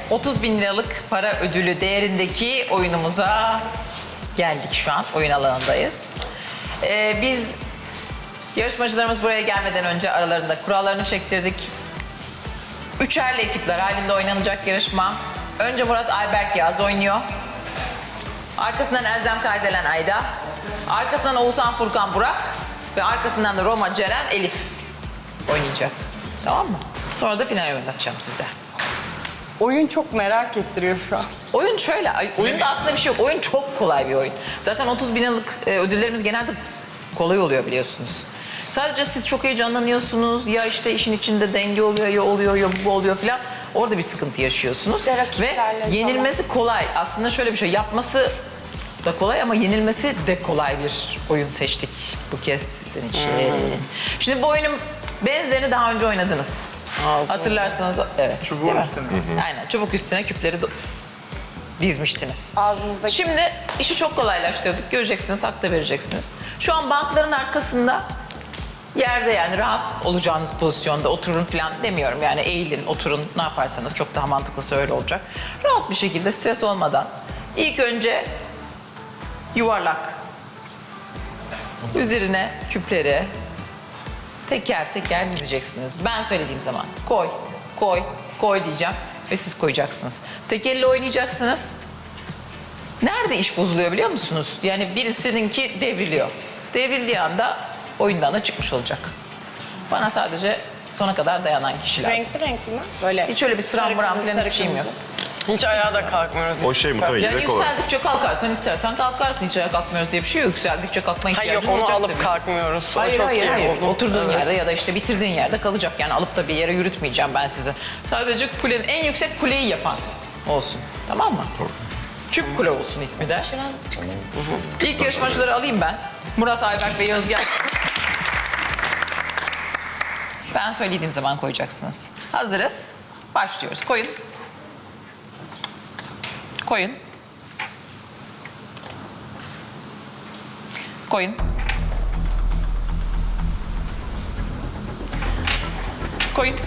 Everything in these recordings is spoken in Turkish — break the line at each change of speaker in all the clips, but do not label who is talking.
30 bin liralık para ödülü değerindeki oyunumuza geldik şu an. Oyun alanındayız. Biz yarışmacılarımız buraya gelmeden önce aralarında kurallarını çektirdik. Üçerli ekipler halinde oynanacak yarışma. Önce Murat Ayberk Yağız oynuyor. Arkasından Elzem Kardelen Ayda. Arkasından Oğuzhan Furkan Burak. Ve arkasından da Roma Ceren Elif oynayacak. Tamam mı? Sonra da final oynatacağım size.
Oyun çok merak ettiriyor şu an.
Oyun şöyle, oyunda aslında bir şey yok. Oyun çok kolay bir oyun. Zaten 30 bin liralık ödüllerimiz genelde kolay oluyor biliyorsunuz. Sadece siz çok heyecanlanıyorsunuz. Ya işte işin içinde denge oluyor, ya oluyor, ya bu oluyor filan. Orada bir sıkıntı yaşıyorsunuz. Ve yenilmesi kolay. Aslında şöyle bir şey, yapması da kolay ama yenilmesi de kolay bir oyun seçtik bu kez sizin için. Şimdi bu oyunun benzerini daha önce oynadınız. Hatırlarsanız evet.
Çubuğun üstüne.
Aynen, çubuk üstüne küpleri dizmiştiniz.
Ağzımızda
Şimdi işi çok kolaylaştırdık. Göreceksiniz, hak da vereceksiniz. Şu an bankların arkasında yerde, yani rahat olacağınız pozisyonda oturun falan demiyorum. Yani eğilin, oturun, ne yaparsanız çok daha mantıklısı öyle olacak. Rahat bir şekilde, stres olmadan ilk önce yuvarlak üzerine küpleri teker teker dizeceksiniz. Ben söylediğim zaman koy, koy, koy diyeceğim ve siz koyacaksınız. Tek elle oynayacaksınız. Nerede iş bozuluyor biliyor musunuz? Yani birisininki devriliyor. Devrildiği anda oyundan da çıkmış olacak. Bana sadece sona kadar dayanan kişi lazım.
renkli renkli mi? Böyle
Hiç öyle bir sıram
sarı
buram
kırmızı,
falan
sarı
hiçbir şeyim yok.
kırmızı.
Hiç ayağa da kalkmıyoruz.
O şey muhtemelen
Yani
yürek olarak.
yükseldikçe kalkarsan istersen kalkarsın. Hiç ayağa kalkmıyoruz diye bir şey yok. Yükseldikçe kalkma
Hayır
ihtiyacın
yok onu
olacak
alıp
tabii.
kalkmıyoruz. O
Hayır
çok
hayır
iyi
hayır.
oldu.
Oturduğun
Evet.
yerde ya da işte bitirdiğin yerde kalacak. Yani alıp da bir yere yürütmeyeceğim ben sizi. Sadece kulenin en yüksek kuleyi yapan olsun. Tamam mı? Küp kule olsun ismi de. İlk yarışmacıları alayım ben. Murat Ayberk ve Yağız gelsin. Ben söylediğim zaman koyacaksınız. Hazırız. Başlıyoruz. Koyun. Koyun. Koyun. Koyun.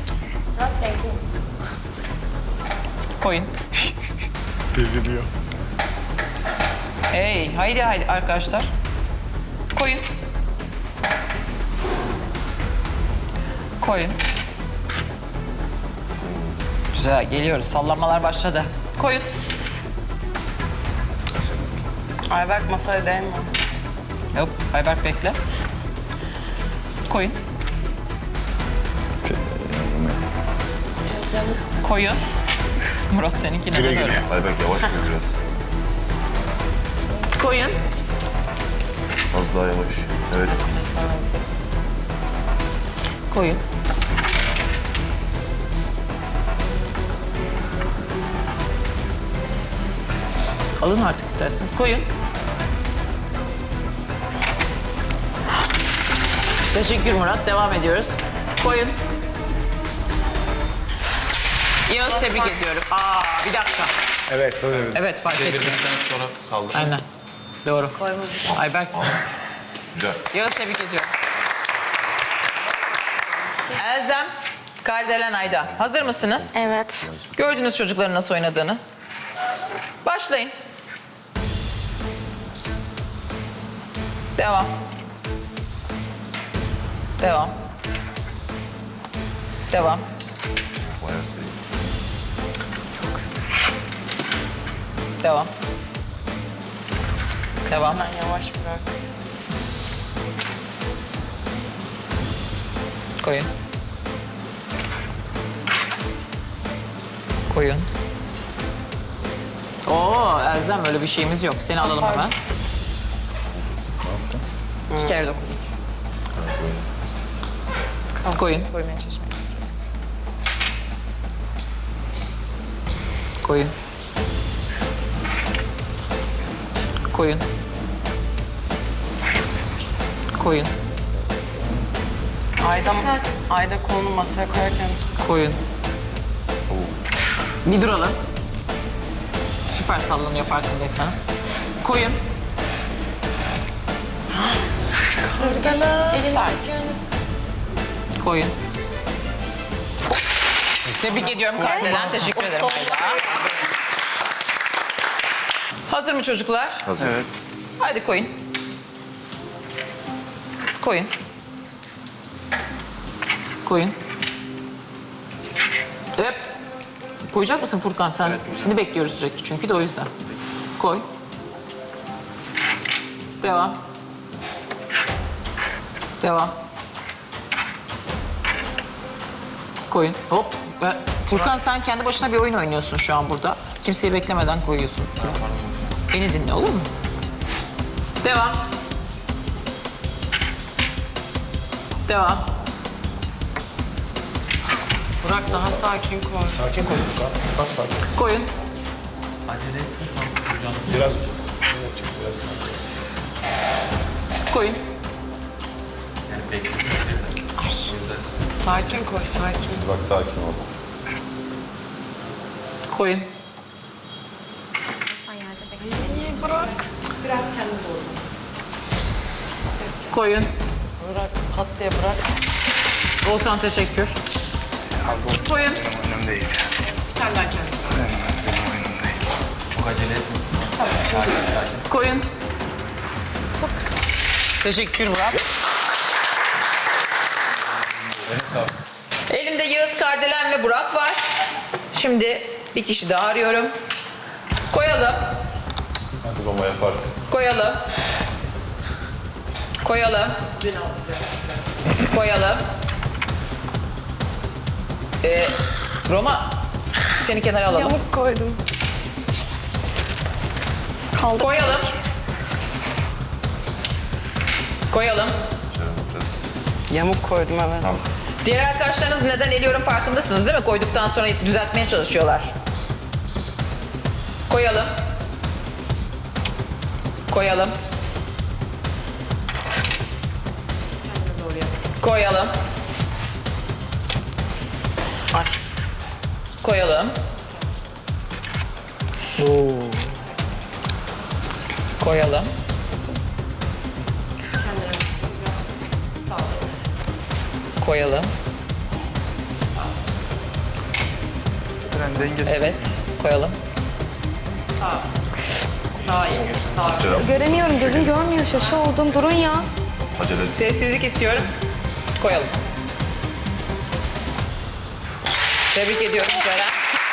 Koyun.
Devriliyor.
Hey, haydi haydi arkadaşlar. Koyun. Koyun. Güzel, geliyoruz. Sallanmalar başladı. Koyun.
Ayberk masaya değme.
Hop, Ayberk bekle. Koyun. Koyun. Murat seninki
Güle
neden
güle.
öyle?
Ayberk yavaş koy biraz.
Koyun.
Az daha yavaş. Evet.
Koyun. Alın artık isterseniz. Koyun. Teşekkür Murat. Devam ediyoruz. Koyun. Yağız tebrik ediyorum. Bir dakika.
Evet, öyle.
Evet fark etmiyor.
Devirdikten sonra saldır.
Aynen. Doğru. Ayberk.
Güzel.
Yağız tebrik ediyorum. Elzem, Kardelen Ayda. Hazır mısınız?
Evet.
Gördünüz çocukların nasıl oynadığını. Başlayın. Devam. Devam. Devam.
Bayağı sayı.
Devam. Devam.
Ben yavaş bırak.
Koyun. Koyun. Oo Elzem öyle bir şeyimiz yok. Seni alalım hemen. 2 kere dokun. Koyun.
Koymaya çalışmayın.
Koyun. Koyun. Koyun.
Ayda kolunu masaya koyarken
Koyun. Bir duralım. Süper sallanıyor farkındaysanız. Koyun.
rüzgarla
Koyun. Tebrik ediyorum Kardelen. Teşekkür ederim Ayla. Hazır mı çocuklar?
Hazır. Evet.
Hadi koyun. Koyun. Koyun. Hep. Koyacak mısın Furkan sen? Seni bekliyoruz sürekli çünkü de o yüzden. Koy. Devam. Devam. Koyun. Hop. Furkan sen kendi başına bir oyun oynuyorsun şu an burada. Kimseyi beklemeden koyuyorsun. Beni dinle olur mu? Devam. Devam.
Burak daha sakin koy.
Sakin koy Furkan. Biraz sakin.
Koyun.
Biraz. Evet, biraz sakin.
Koyun.
Sakin koy, sakin.
Bak sakin ol.
Koyun.
Burak.
Koyun.
Burak, pat diye bırak.
Oğuzhan teşekkür. Koyun.
Önemli değil.
Senden kendin.
Benim oyunum değil. Çok acele etme.
Koyun. Teşekkür Murat. Elimde Yağız, Kardelen ve Burak var. Şimdi bir kişi daha arıyorum. Koyalım.
Hadi baba yaparsın.
Koyalım. Koyalım. Koyalım. Roma, seni kenara alalım.
Yamuk koydum.
Koyalım. Koyalım.
Yamuk koydum evet.
Diğer arkadaşlarınız neden eliyorum farkındasınız değil mi? Koyduktan sonra düzeltmeye çalışıyorlar. Koyalım. Koyalım. Koyalım.
Ay.
Koyalım. Koyalım. Koyalım. Evet, koyalım.
Göremiyorum, gözüm görmüyor. Şaşı oldum. Durun ya.
Acele et.
Sessizlik istiyorum. Koyalım. Tebrik ediyorum Ceren.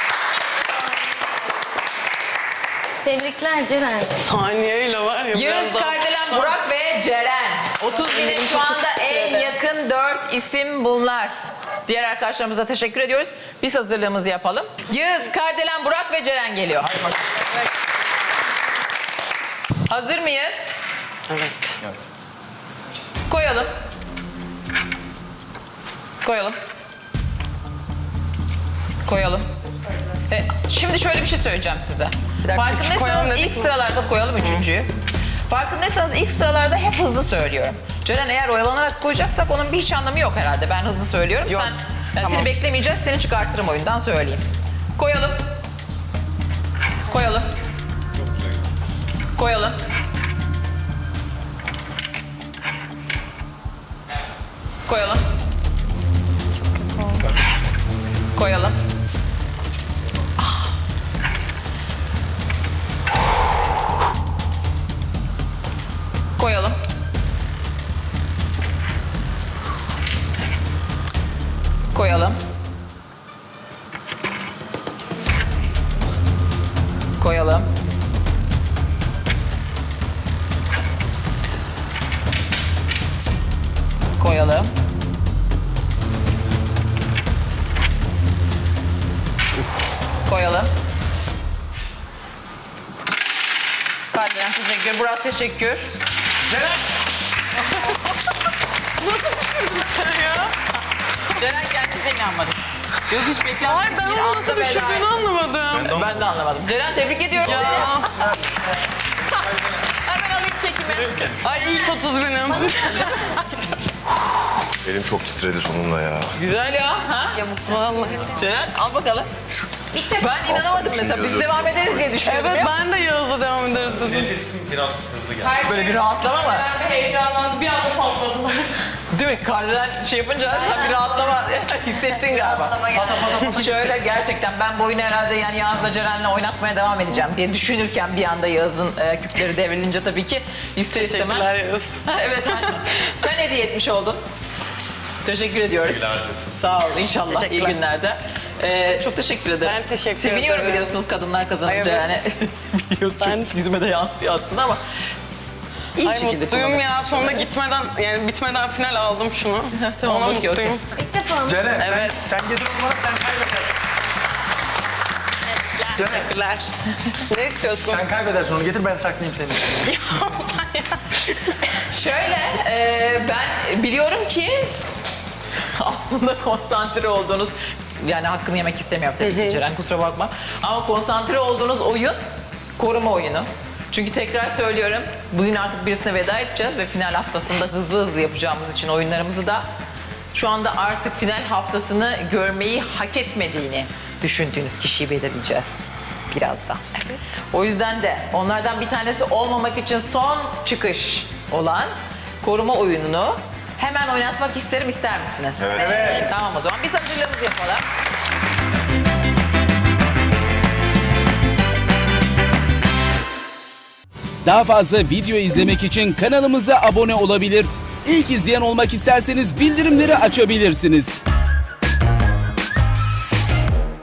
Tebrikler Ceren.
Saniyeyle var ya.
Yağız,
biraz daha-
Kardelen, Burak ve Ceren. 30 bine şu anda en yakın 4 isim bunlar. Diğer arkadaşlarımıza teşekkür ediyoruz. Biz hazırlığımızı yapalım. Yağız, Kardelen, Burak ve Ceren geliyor. Hazır mıyız?
Evet.
Koyalım. Koyalım. Koyalım. Şimdi şöyle bir şey söyleyeceğim size.
dakika, koyalım
Farkındaysanız
dedik
ilk
mi?
sıralarda koyalım üçüncüyü. Farkındaysanız ilk sıralarda hep hızlı söylüyorum. Ceren eğer oyalanarak koyacaksak onun bir hiç anlamı yok herhalde. Ben hızlı söylüyorum.
Yok,
Seni
tamam.
beklemeyeceğiz. Seni çıkartırım oyundan söyleyeyim. Koyalım. Koyalım. Koyalım. Koyalım. Koyalım. Koyalım. Koyalım. Koyalım. Koyalım. Koyalım. Kardelen teşekkür. Burak teşekkür. Ceren. Ceren kendisi de inanmadı. Göz hiç beklenmedik.
Ay ben
bir
onu
anda
nasıl
bela
düşürdüğünü
etti.
anlamadım.
Ben de anlamadım. Ceren tebrik ediyorum
Ya.
seni. Hemen alayım çekimi.
Ay ilk 30 benim.
Elim çok titredi sonunda ya.
Güzel ya. Ha?
Vallahi.
Ceren al bakalım. Ben inanamadım mesela. Biz devam ederiz diye düşünüyordum.
Evet
ya.
ben de Yağız'la devam ederiz dedim.
Böyle bir rahatlama mı?
Ben de heyecanlandım. Bir anda patladılar.
Değil mi? Kardelen şey yapınca sen bir rahatlama hissettin galiba. Şöyle gerçekten ben bu oyunu herhalde yani Yağız'la Ceren'le oynatmaya devam edeceğim diye düşünürken bir anda Yağız'ın küpleri devrilince tabii ki ister istemez.
Teşekkürler Yağız.
Evet aynen. Sen hediye etmiş oldun. Teşekkür ediyoruz. Sağ ol inşallah iyi
Teşekkürler.
günlerde. Çok teşekkür ederim.
Ben teşekkür
Seviniyorum
ederim.
biliyorsunuz kadınlar kazanınca
Ay,
yani.
evet.
Biliyoruz
Ben-
çok yüzüme de yansıyor aslında ama. İyi bir
Ay
şekilde
mutluyum ya.
kullanırsın.
Sonunda gitmeden yani bitmeden final aldım şunu.
Tamam,
Ona
okey,
mutluyum.
İlk defa mı?
Ceren
Evet.
sen getir o zaman sen kaybedersin. Ceren
Teşekkürler. Ne istiyorsun?
sen kaybedersin onu getir ben saklayayım senin için.
Şöyle, ben biliyorum ki aslında konsantre olduğunuz, yani hakkını yemek istemiyorum tabii ki Ceren, kusura bakma. Ama konsantre olduğunuz oyun koruma oyunu. Çünkü tekrar söylüyorum, bugün artık birisine veda edeceğiz ve final haftasında hızlı hızlı yapacağımız için oyunlarımızı da şu anda artık final haftasını görmeyi hak etmediğini düşündüğünüz kişiyi belirleyeceğiz birazdan. Evet. O yüzden de onlardan bir tanesi olmamak için son çıkış olan koruma oyununu hemen oynatmak isterim, ister misiniz?
Evet.
Tamam o zaman biz hazırlığımızı yapalım.
Daha fazla video izlemek için kanalımıza abone olabilir. İlk izleyen olmak isterseniz bildirimleri açabilirsiniz.